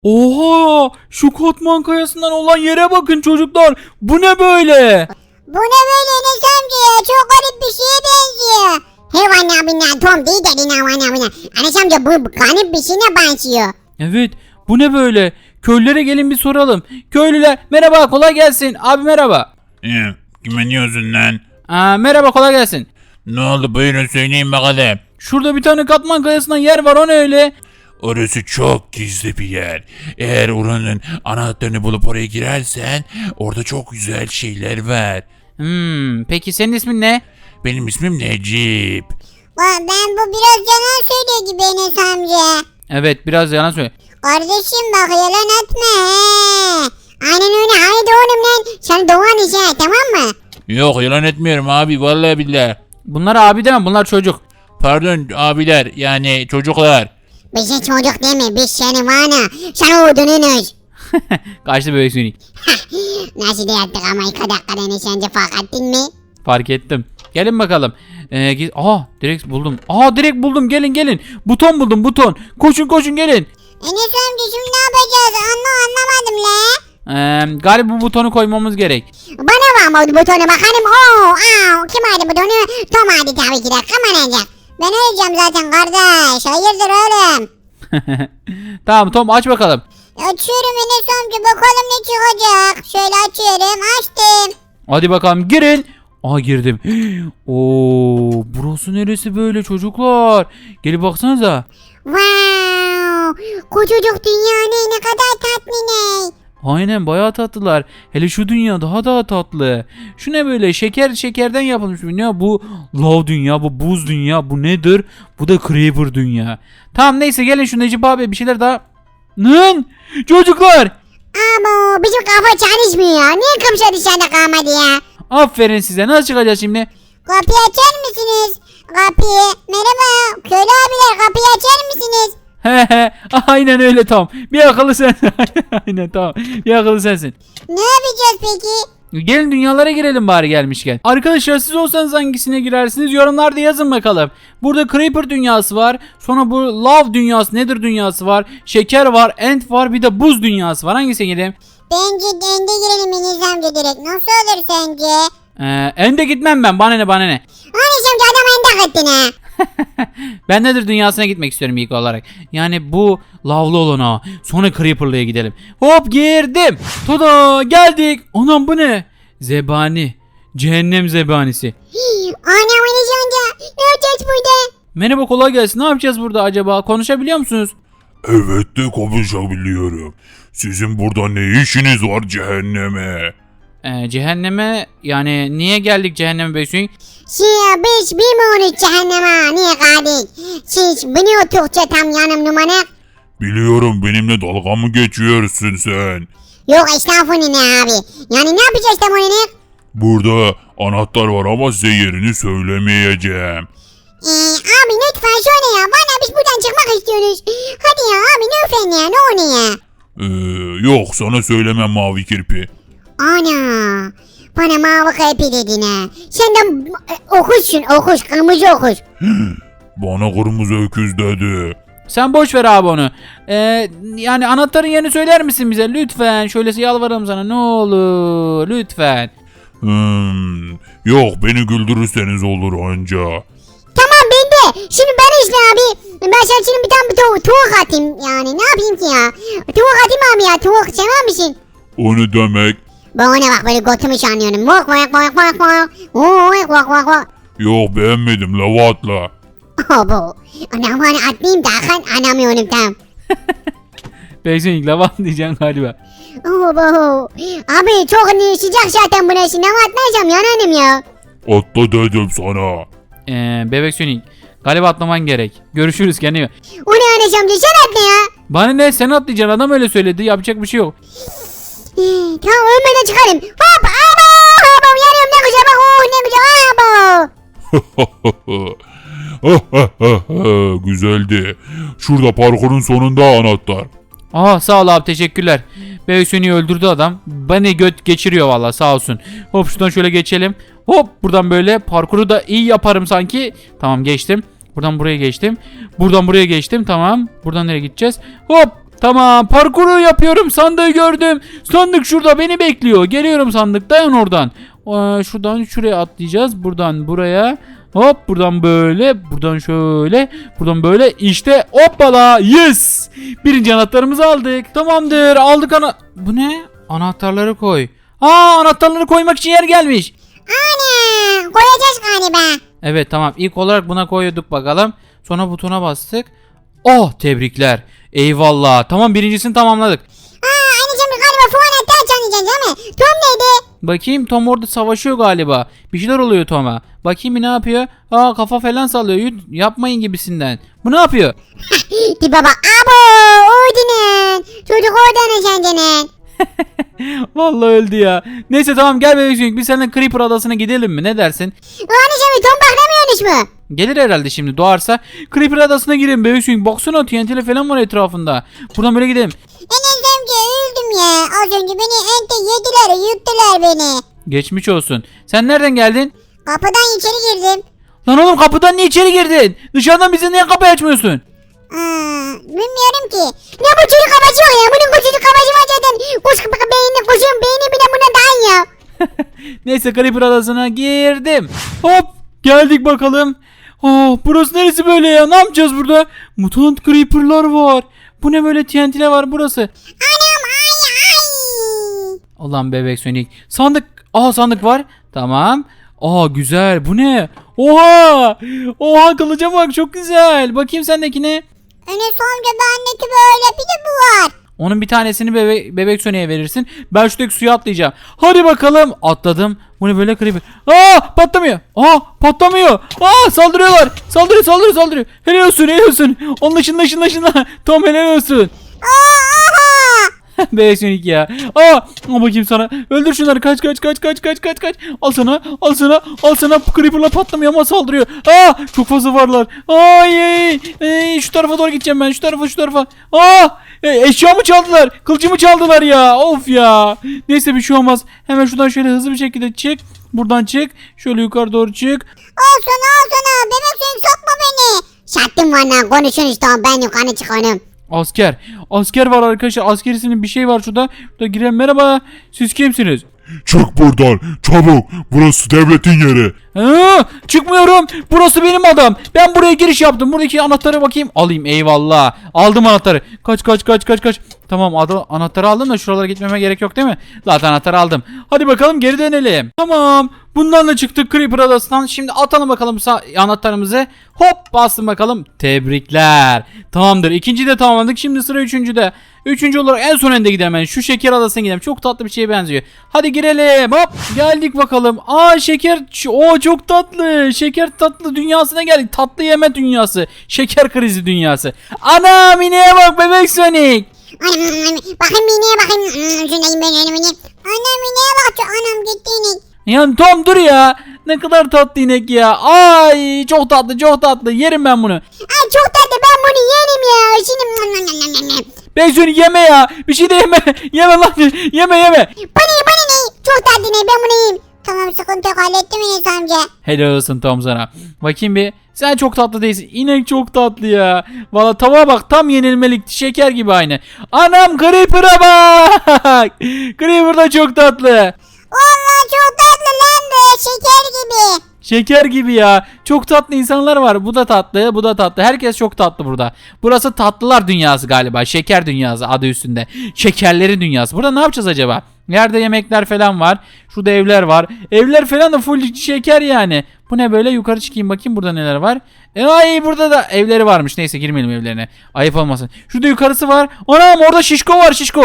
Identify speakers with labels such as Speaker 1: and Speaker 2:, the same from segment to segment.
Speaker 1: Oha! Şu Katman Kayası'ndan olan yere bakın çocuklar. Bu ne böyle?
Speaker 2: Bu ne böyle Enes amca ya? Çok garip bir şeye benziyor. Hevan abinden Tom değil dedin Hevan abinden. Enes amca bu garip bir şeye benziyor.
Speaker 1: Evet, bu ne böyle? Köylülere gelin bir soralım. Köylüler merhaba, kolay gelsin. Abi merhaba.
Speaker 3: Kime diyorsun lan?
Speaker 1: Merhaba, kolay gelsin.
Speaker 3: Ne oldu, buyurun söyleyin bakalım.
Speaker 1: Şurada bir tane Katman Kayası'ndan yer var, o ne öyle?
Speaker 3: Orası çok gizli bir yer. Eğer oranın anahtarını bulup oraya girersen orada çok güzel şeyler var.
Speaker 1: Peki senin ismin ne?
Speaker 3: Benim ismim Necip.
Speaker 2: Ben bu biraz yalan söylüyor gibi Enes amca.
Speaker 1: Evet, biraz yalan söyle.
Speaker 2: Kardeşim bak yalan etme he. Aynen öyle haydi oğlum lan. Sen doğan işe tamam mı?
Speaker 3: Yok, yalan etmiyorum abi, vallahi billahi.
Speaker 1: Bunlar abi deme, bunlar çocuk.
Speaker 3: Pardon abiler, yani çocuklar.
Speaker 2: Bize çocuk deme biz seni vana. Sen oğdununuz.
Speaker 1: Kaçtı bebek seni.
Speaker 2: Nasıl da yaptık ama 2 dakikada Enes amca fark ettin mi?
Speaker 1: Fark ettim. Gelin bakalım. Direkt buldum. Direkt buldum, gelin. Buton buldum, buton. Koşun gelin.
Speaker 2: Enes amca şimdi ne yapacağız? Anlamadım la.
Speaker 1: Galiba bu butonu koymamız gerek.
Speaker 2: Bana var mı butonu bakalım. Kim aldı butonu? Tom aldı tabii ki de. Kamanacak. Ben öleceğim zaten kardeş. Hayırdır oğlum?
Speaker 1: Tamam Tom, aç bakalım.
Speaker 2: Açıyorum Enes amca bakalım ne çıkacak. Şöyle açıyorum açtım.
Speaker 1: Hadi bakalım, girin. Girdim. Burası neresi böyle çocuklar? Gelin baksanıza.
Speaker 2: Wow. Küçücük dünya ne kadar tatlı ne.
Speaker 1: Aynen, bayağı tatlılar. Hele şu dünya daha tatlı. Şu ne böyle, şekerden yapılmış bir dünya. Bu lav dünya, bu buz dünya, bu nedir? Bu da creeper dünya. Tamam neyse, gelin şu Necip abi bir şeyler daha. Çocuklar.
Speaker 2: Ama bizim kafa çalışmıyor ya. Niye kapışa dışarıda kalmadı ya?
Speaker 1: Aferin size, nasıl çıkacağız şimdi?
Speaker 2: Kapıyı açar mısınız? Kapıyı. Merhaba. Köylü abiler kapıyı açar mısınız?
Speaker 1: Aynen öyle Tom. Bir akıllı sen. Aynen tamam. Bir akıllı sensin.
Speaker 2: Ne yapacağız peki?
Speaker 1: Gelin dünyalara girelim bari gelmişken. Arkadaşlar siz olsanız hangisine girersiniz? Yorumlarda yazın bakalım. Burada Creeper dünyası var. Sonra bu Love dünyası, Nether dünyası var. Şeker var, End var, bir de buz dünyası var. Hangisine gireyim?
Speaker 2: Bence dende girelim Enes amca direkt. Nasıl olur sence?
Speaker 1: End'e gitmem ben. Bana ne?
Speaker 2: Enes amca adam ende gittin ha.
Speaker 1: Ben Nether dünyasına gitmek istiyorum ilk olarak. Yani bu lavlı olana. Sonra Creeper'lıya gidelim. Hop girdim. Tada geldik. Anam bu ne? Zebani. Cehennem zebanisi.
Speaker 2: Anam Enes amca. Ne yapacağız burada?
Speaker 1: Merhaba, kolay gelsin. Ne yapacağız burada acaba? Konuşabiliyor musunuz?
Speaker 3: Evet de konuşabiliyorum. Sizin burada ne işiniz var cehenneme?
Speaker 1: Cehenneme yani niye geldik cehenneme Beysun?
Speaker 2: Biz bilmiyoruz cehenneme niye geldik. Siz biliyordukça tam yanım numara.
Speaker 3: Biliyorum, benimle dalga mı geçiyorsun sen?
Speaker 2: Yok estağfurullah abi. Yani ne yapacağız tam onu?
Speaker 3: Burada anahtar var ama size yerini söylemeyeceğim.
Speaker 2: Abi lütfen söyle ya. Bana biz buradan çıkmak istiyoruz. Hadi ya abi lütfen ya ne oluyor?
Speaker 3: Yok, sana söylemem mavi kirpi.
Speaker 2: Ana. Bana mavi kalpi dedin ha. Sen de okuş kırmızı okuş.
Speaker 3: Bana kırmızı öküz dedi.
Speaker 1: Sen boş ver abi onu. Yani anahtarın yerini söyler misin bize lütfen? Şöylesi yalvarırım sana, ne olur lütfen.
Speaker 3: Yok, beni güldürürseniz olur anca.
Speaker 2: Tamam ben de. Şimdi ben işte abi. Ben sana şimdi bir tane tavuk atayım. Yani ne yapayım ki ya? Tavuk atayım abi ya. Tavuk sever misin?
Speaker 3: O ne demek?
Speaker 2: Bana bak böyle götümü sanıyorum. Vak. Vak.
Speaker 3: Yok, beğenmedim, lava atla.
Speaker 2: Abo. Anam bana atlayayım da anamıyorum tam.
Speaker 1: Beysun ilk lava diyeceksin galiba.
Speaker 2: Abo. Abi çok sıcak zaten burası. Ne atlayacağım yanarım ya.
Speaker 3: Atla dedim sana.
Speaker 1: Bebek Sonic galiba atlaman gerek. Görüşürüz, kendine.
Speaker 2: O ne anacığım sen atla ya.
Speaker 1: Bana ne, sen atlayacaksın, adam öyle söyledi, yapacak bir şey yok.
Speaker 2: Tamam ölmeden çıkarım. Hop abo. Abo yanıyorum ne güzel bak. Ne güzel abo.
Speaker 3: Güzeldi. Şurada parkurun sonunda anahtar.
Speaker 1: Sağ ol abi, teşekkürler. Bebek Sonic'i öldürdü adam. Beni göt geçiriyor vallahi, sağ olsun. Hop şuradan şöyle geçelim. Hop buradan böyle parkuru da iyi yaparım sanki. Tamam geçtim. Buradan buraya geçtim. Buradan buraya geçtim, tamam. Buradan nereye gideceğiz? Hop. Tamam, parkuru yapıyorum. Sandığı gördüm. Sandık şurada beni bekliyor. Geliyorum sandık. Dayan oradan. Şuradan şuraya atlayacağız. Buradan buraya. Hop, buradan böyle. Buradan şöyle. Buradan böyle. İşte hoppala. Yes. Birinci anahtarımızı aldık. Tamamdır. Aldık Bu ne? Anahtarları koy. Anahtarları koymak için yer gelmiş.
Speaker 2: Ana koyacağız galiba.
Speaker 1: Evet, tamam. İlk olarak buna koyduk bakalım. Sonra butona bastık. Tebrikler. Eyvallah. Tamam, birincisini tamamladık.
Speaker 2: Anneciğim galiba fuan hatta açamayacağız değil mi? Tom neydi?
Speaker 1: Bakayım, Tom orada savaşıyor galiba. Bir şeyler oluyor Tom'a. Bakayım bir ne yapıyor? Kafa falan sallıyor. Yapmayın gibisinden. Bu ne yapıyor?
Speaker 2: Di baba abo oydunun. Çocuk oradan kendine.
Speaker 1: Vallahi öldü ya. Neyse tamam, gel bebek Sonic, biz seninle Creeper adasına gidelim mi? Ne dersin?
Speaker 2: Anneciğim Tom baklamıyormuş mu?
Speaker 1: Gelir herhalde şimdi, doğarsa. Creeper adasına girelim bebek Sonic. Baksana, TNT'li falan var etrafında. Buradan böyle gidelim.
Speaker 2: Enes amca öldüm ya. Az önce beni ente yediler yuttular beni.
Speaker 1: Geçmiş olsun. Sen nereden geldin?
Speaker 2: Kapıdan içeri girdim.
Speaker 1: Lan oğlum, kapıdan niye içeri girdin? Dışarıdan bize niye kapıyı açmıyorsun?
Speaker 2: Bilmiyorum ki. Ne bu çocuk kafası var ya. Bunun çocuk kafası var zaten. Kuş beynini kuşun beyni bile buna dayan ya.
Speaker 1: Neyse, Creeper adasına girdim. Hop, geldik bakalım. Burası neresi böyle ya? Ne yapacağız burada? Mutant Creeper'lar var. Bu ne böyle, TNT'ler var burası.
Speaker 2: Anam ay.
Speaker 1: Ulan bebek Sonic. Sandık. Sandık var. Tamam. Güzel. Bu ne? Oha, kılıca bak, çok güzel. Bakayım sendekine.
Speaker 2: Enes amca bendeki böyle bir de bu var.
Speaker 1: Onun bir tanesini bebek Sonic'e verirsin. Ben şuradaki suya atlayacağım. Hadi bakalım. Atladım. Bu ne böyle, Creeper? Patlamıyor. Patlamıyor. Saldırıyorlar. Saldırıyor. Helal olsun. Onun ışınla. Tom, helal olsun. Bebek Sonic ya. Al bakayım sana. Öldür şunları. Kaç. Al sana. Creeper'la patlamıyor ama saldırıyor. Çok fazla varlar. Şu tarafa doğru gideceğim ben. Şu tarafa. Eşyamı çaldılar. Kılıcımı çaldılar ya. Of ya. Neyse, bir şey olmaz. Hemen şuradan şöyle hızlı bir şekilde çık. Buradan çık. Şöyle yukarı doğru çık.
Speaker 2: Al sana. Bebek sen sokma beni. Şattım valla konuşun işte ben yukarı çıkanım.
Speaker 1: Asker var arkadaşlar. Askerisinin bir şey var şurada. Şurada girelim. Merhaba. Siz kimsiniz?
Speaker 3: Çık buradan çabuk. Burası devletin yeri.
Speaker 1: Çıkmıyorum. Burası benim adam. Ben buraya giriş yaptım. Buradaki anahtarı bakayım. Alayım. Eyvallah. Aldım anahtarı. Kaç. Tamam, anahtarı aldım da şuralara gitmeme gerek yok değil mi? Zaten anahtarı aldım. Hadi bakalım, geri dönelim. Tamam. Bundan da çıktık Creeper adasından. Şimdi atalım bakalım anahtarımızı. Hop, bastım bakalım. Tebrikler. Tamamdır. İkinciyi de tamamladık. Şimdi sıra üçüncüde. Üçüncü olarak en son önde gidelim. Yani şu şeker adasına gidelim. Çok tatlı bir şeye benziyor. Hadi girelim. Hop, geldik bakalım. Şeker. Çok tatlı. Şeker tatlı dünyasına geldik. Tatlı yeme dünyası. Şeker krizi dünyası. Anam, ineğe bak bebek Sonic.
Speaker 2: Bakayım ineğe bakayım. Şundayım ben önümü. Anam ineğe bak. Anam gitti inek.
Speaker 1: Ya Tom, dur ya. Ne kadar tatlı inek ya. Çok tatlı. Yerim ben bunu.
Speaker 2: Çok tatlı ben bunu yerim ya. Şimdi.
Speaker 1: Bebek Sonic, yeme ya. Bir şey de yeme. Yeme lan. Yeme.
Speaker 2: Bana ne? Çok tatlı ne ben bunu yiyeyim. Tamam sıkıntı yok hallettim Enes amca.
Speaker 1: Helal olsun Tom sana. Bakayım bir. Sen çok tatlı değilsin. İnek çok tatlı ya. Valla tavuğa bak, tam yenilmelik. Şeker gibi aynı. Anam, Creeper'a bak. Creeper da çok tatlı.
Speaker 2: Valla çok tatlı lan be şeker gibi.
Speaker 1: Şeker gibi ya. Çok tatlı insanlar var. Bu da tatlı. Herkes çok tatlı burada. Burası tatlılar dünyası galiba. Şeker dünyası adı üstünde. Şekerlerin dünyası. Burada ne yapacağız acaba? Yerde yemekler falan var. Şurada evler var. Evler falan da full şeker yani. Bu ne böyle? Yukarı çıkayım bakayım burada neler var. Burada da evleri varmış. Neyse, girmeyelim evlerine. Ayıp olmasın. Şurada yukarısı var. Anam, orada şişko var, şişko.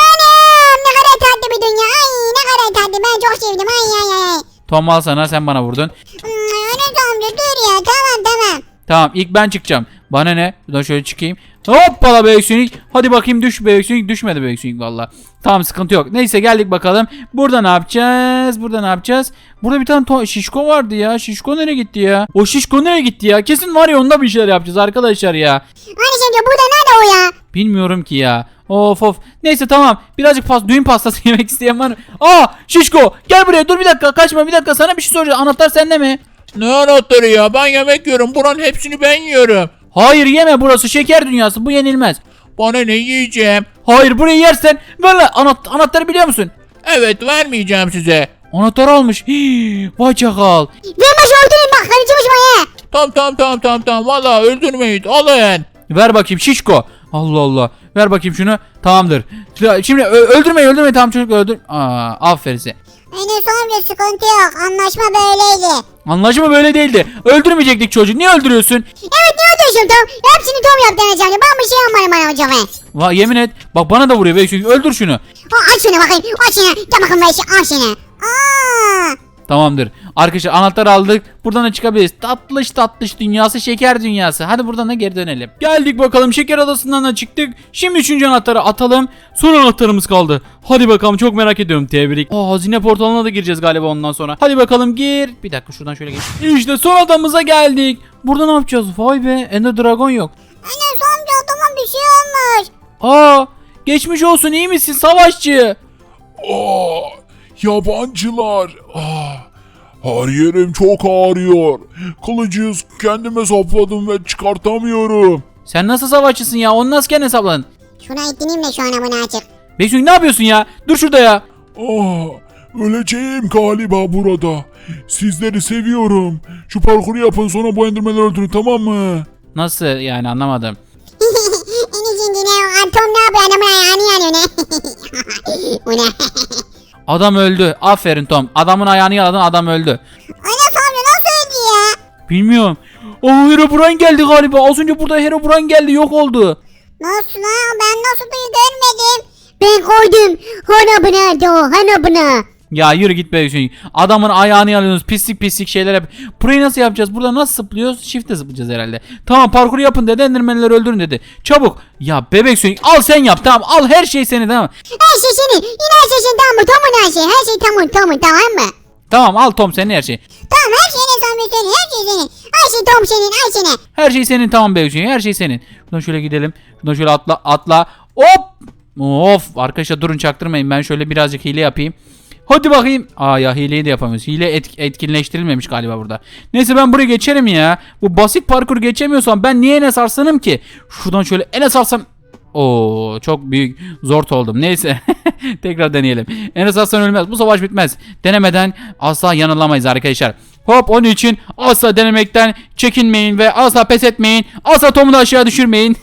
Speaker 2: Anam ne kadar tatlı bir dünya. Ne kadar tatlı ben çok sevdim. Ay.
Speaker 1: Tom, al sana, sen bana vurdun.
Speaker 2: Enes amca dur ya tamam.
Speaker 1: Tamam, ilk ben çıkacağım. Bana ne? Buradan şöyle çıkayım. Hoppala bebek Sonic. Hadi bakayım, düş bebek Sonic. Düşmedi bebek Sonic valla. Tamam, sıkıntı yok. Neyse, geldik bakalım. Burada ne yapacağız? Burada bir tane şişko vardı ya. Şişko nereye gitti ya? O şişko nereye gitti ya? Kesin var ya, onda bir şeyler yapacağız arkadaşlar ya.
Speaker 2: Enes amca burada nerede o ya?
Speaker 1: Bilmiyorum ki ya. Of. Neyse tamam. Birazcık düğün pastası yemek isteyen var mı? Şişko, gel buraya. Dur bir dakika. Kaçma bir dakika. Sana bir şey soracağım. Anahtar sende mi?
Speaker 3: Ne anahtarı ya? Ben yemek yiyorum. Buranın hepsini ben yiyorum.
Speaker 1: Hayır, yeme, burası şeker dünyası. Bu yenilmez.
Speaker 3: Bana ne yiyeceğim?
Speaker 1: Hayır, burayı yersen ver lan. Anahtarı biliyor musun?
Speaker 3: Evet, vermeyeceğim size.
Speaker 1: Anahtarı almış. Hii, vay çakal.
Speaker 2: Vermez öldürün bak karıcımış bana.
Speaker 3: Tamam. Valla öldürmeyin. Alın.
Speaker 1: Ver bakayım şişko. Allah Allah. Ver bakayım şunu. Tamamdır. Şimdi öldürme tamam çocuk öldür. Aferin size.
Speaker 2: Enes amca sıkıntı yok. Anlaşma böyleydi.
Speaker 1: Anlaşma böyle değildi. Öldürmeyecektik çocuğu. Niye öldürüyorsun?
Speaker 2: Evet ne öldürüyorsun Tom? Hepsini Tom yaptı Enes amca. Ben bir şey yapmadım bana hocam.
Speaker 1: Yemin et. Bak bana da vuruyor. Öldür şunu.
Speaker 2: Aç şunu bakayım. Aç şunu. Gel bakayım ben şu aç şunu.
Speaker 1: Tamamdır. Arkadaşlar anahtar aldık. Buradan da çıkabiliriz. Tatlış dünyası, şeker dünyası. Hadi buradan da geri dönelim. Geldik bakalım, şeker adasından da çıktık. Şimdi 3. anahtarı atalım. Son anahtarımız kaldı. Hadi bakalım, çok merak ediyorum. Tebrik. Hazine portalına da gireceğiz galiba ondan sonra. Hadi bakalım gir. Bir dakika şuradan şöyle geç. İşte son adamıza geldik. Burada ne yapacağız? Vay be, Ender Dragon yok.
Speaker 2: Enes amca adama bir şey olmuş.
Speaker 1: Geçmiş olsun, iyi misin savaşçı?
Speaker 3: Yabancılar. Her yerim çok ağrıyor. Kılıcı kendime sapladım ve çıkartamıyorum.
Speaker 1: Sen nasıl savaşçısın ya? Onu nasıl kendine hesapladın?
Speaker 2: Şuna ittireyim de şu ana bunu açık.
Speaker 1: Beysun ne yapıyorsun ya? Dur şurada ya.
Speaker 3: Öleceğim galiba burada. Sizleri seviyorum. Şu parkuru yapın, sonra bu endirmenleri öldürün, tamam mı?
Speaker 1: Nasıl yani, anlamadım.
Speaker 2: Enes'in yine Tom ne yapıyor adamın ayağını yanıyor ne? Bu ne?
Speaker 1: Adam öldü. Aferin Tom. Adamın ayağını yaladın, adam öldü.
Speaker 2: Enes amca nasıl öldü ya?
Speaker 1: Bilmiyorum. Herobrine geldi galiba. Az önce burada Herobrine geldi, yok oldu.
Speaker 2: Nasıl lan? Ben nasıl görmedim? Ben koydum. Hana buna do. Hana buna.
Speaker 1: Ya yürü git be Hüseyin. Adamın ayağını yalıyorsunuz. Pislik şeyler yap. Burayı nasıl yapacağız? Burada nasıl zıplıyoruz? Shift'e zıplayacağız herhalde. Tamam, parkuru yapın dedi. Endermenleri öldürün dedi. Çabuk. Ya bebek Hüseyin, al sen yap, tamam. Al her şey senin, tamam.
Speaker 2: Her şey senin. Yine her şey senin, tamam mı? Tom'un her şey. Her şey Tom'un tamam mı?
Speaker 1: Tamam, al Tom senin her şey.
Speaker 2: Tamam her şey Enes amca senin. Her şey senin. Her şey Tom senin. Her senin.
Speaker 1: Her şey senin, tamam be Hüseyin. Her şey senin. Şuradan şöyle gidelim. Şuradan şöyle atla. Hop. Of arkadaşlar, durun çaktırmayın. Ben şöyle birazcık hile yapayım. Hadi bakayım. Ya hileyi de yapamıyoruz. Hile etkinleştirilmemiş galiba burada. Neyse, ben buraya geçerim ya. Bu basit parkur geçemiyorsam ben niye Enes Arslan'ım ki? Şuradan şöyle Enes Arslan. Çok büyük zor oldum. Neyse. Tekrar deneyelim. Enes Arslan ölmez. Bu savaş bitmez. Denemeden asla yanılamayız arkadaşlar. Hop, onun için asla denemekten çekinmeyin ve asla pes etmeyin. Asla Tom'u da aşağı düşürmeyin.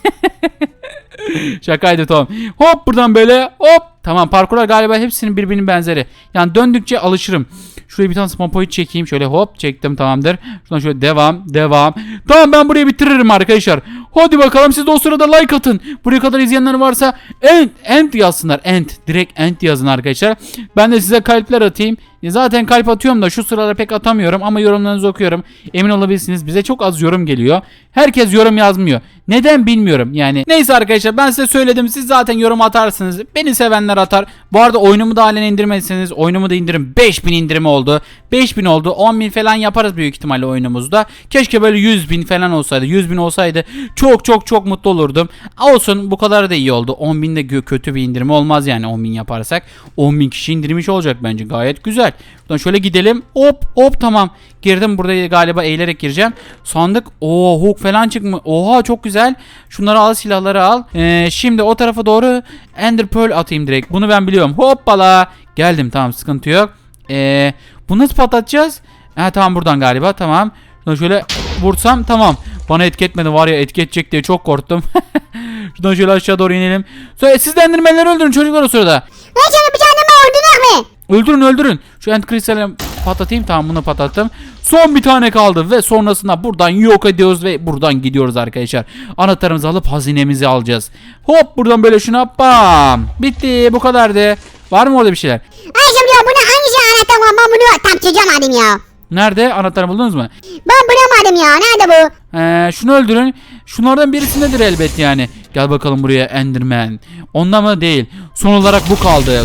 Speaker 1: Şakaydı Tom. Hop, buradan böyle hop. Tamam, parkurlar galiba hepsinin birbirinin benzeri. Yani döndükçe alışırım. Şuraya bir tane spawn point çekeyim. Şöyle hop çektim, tamamdır. Şuradan şöyle devam. Tamam, ben burayı bitiririm arkadaşlar. Hadi bakalım, siz de o sırada like atın. Buraya kadar izleyenler varsa end yazsınlar. Direkt end yazın arkadaşlar. Ben de size kalpler atayım. Zaten kalp atıyorum da şu sıralar pek atamıyorum ama yorumlarınızı okuyorum. Emin olabilirsiniz, bize çok az yorum geliyor. Herkes yorum yazmıyor. Neden bilmiyorum yani. Neyse arkadaşlar, ben size söyledim. Siz zaten yorum atarsınız. Beni sevenler atar. Bu arada oyunumu da halen indirmediyseniz oyunumu da indirin. 5000 indirimi oldu. 5000 oldu. 10.000 falan yaparız büyük ihtimalle oyunumuzda. Keşke böyle 100.000 falan olsaydı. 100.000 olsaydı çok mutlu olurdum. Olsun, bu kadar da iyi oldu. 10.000 de kötü bir indirimi olmaz yani 10.000 yaparsak. 10.000 kişi indirmiş olacak bence. Gayet güzel. Buradan şöyle gidelim. Hop tamam. Girdim, burada galiba eğilerek gireceğim. Sandık. Hook falan çıkmış. Oha, çok güzel. Şunları al, silahları al. Şimdi o tarafa doğru Ender Pearl atayım direkt. Bunu ben biliyorum. Hoppala. Geldim, tamam, sıkıntı yok. Bunu nasıl patlatacağız? Tamam, buradan galiba, tamam. Şuradan şöyle vursam tamam. Bana etki etmedi, var ya, etki edecek diye çok korktum. Şuradan şöyle aşağı doğru inelim. Siz de endermenleri öldürün çocuklar o sırada.
Speaker 2: Ben sana bir tane mi öldürmek mi?
Speaker 1: Öldürün. Şu end kristali patlatayım, tamam, bunu patlattım. Son bir tane kaldı ve sonrasında buradan yok ediyoruz ve buradan gidiyoruz arkadaşlar. Anahtarımızı alıp hazinemizi alacağız. Hop, buradan böyle şuna bam. Bitti, bu kadardı. Var mı orada bir şeyler?
Speaker 2: Ayşem diyor bunu hangisi anahtar var, ben bunu tam çözeceğim ya.
Speaker 1: Nerede? Anahtarı buldunuz mu?
Speaker 2: Ben bulamadım ya, nerede bu?
Speaker 1: Şunu öldürün. Şunlardan birisindedir elbet yani. Gel bakalım buraya Enderman. Onda mı? Değil. Son olarak bu kaldı.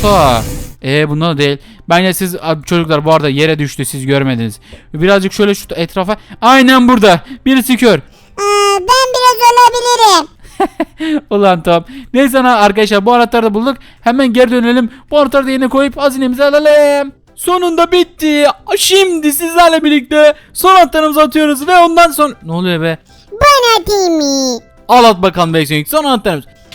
Speaker 1: Bunda da değil. Bence siz çocuklar bu arada yere düştü, siz görmediniz. Birazcık şöyle şu etrafa. Aynen burada. Birisi kör.
Speaker 2: Ben biraz olabilirim.
Speaker 1: Ulan Tom. Neyse arkadaşlar, bu anahtarı da bulduk. Hemen geri dönelim. Bu anahtarı da yerine koyup hazinemizi alalım. Sonunda bitti. Şimdi sizlerle birlikte son anahtarımızı atıyoruz ve ondan sonra... Ne oluyor be?
Speaker 2: Ben atayım mı?
Speaker 1: Al at bakalım Beysun. Son anahtarımız.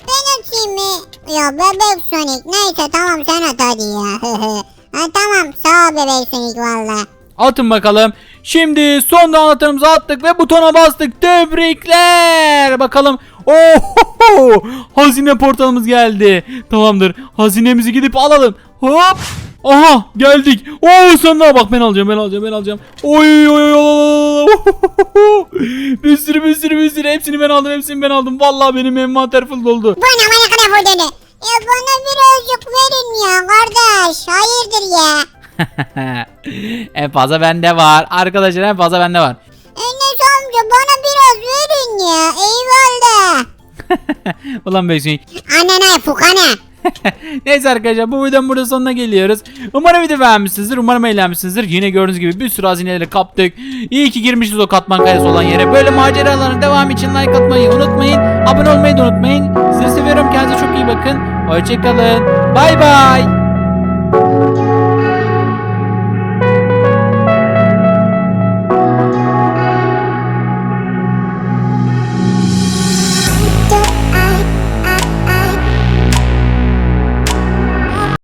Speaker 2: atayım mı? Ya bebek Sonic neyse tamam sen at hadi ya. Ha, tamam sağ ol bebek Sonic valla.
Speaker 1: Atın bakalım. Şimdi son anahtarımızı attık ve butona bastık. Tebrikler. Bakalım. Oho! Hazine portalımız geldi. Tamamdır. Hazinemizi gidip alalım. Hop. Aha geldik. Oo sandığa bak ben alacağım. Oy oy oy. Bir sürü hepsini ben aldım. Vallahi benim envanter full doldu.
Speaker 2: Bana kadar vurdunu. Ya bana birazcık verin ya kardeş. Hayırdır ya.
Speaker 1: En fazla bende var. Arkadaşlar en fazla bende var.
Speaker 2: Enes amca bana biraz verin ya. Eyvallah.
Speaker 1: Ulan Beysin.
Speaker 2: Ananay fukana.
Speaker 1: Neyse arkadaşlar bu videonun burada sonuna geliyoruz. Umarım video beğenmişsinizdir. Umarım eğlenmişsinizdir. Yine gördüğünüz gibi bir sürü hazineleri kaptık. İyi ki girmişiz o katman kayası olan yere. Böyle maceraların devamı için like atmayı unutmayın. Abone olmayı da unutmayın. Sizi seviyorum. Kendinize çok iyi bakın. Hoşçakalın. Bay bay.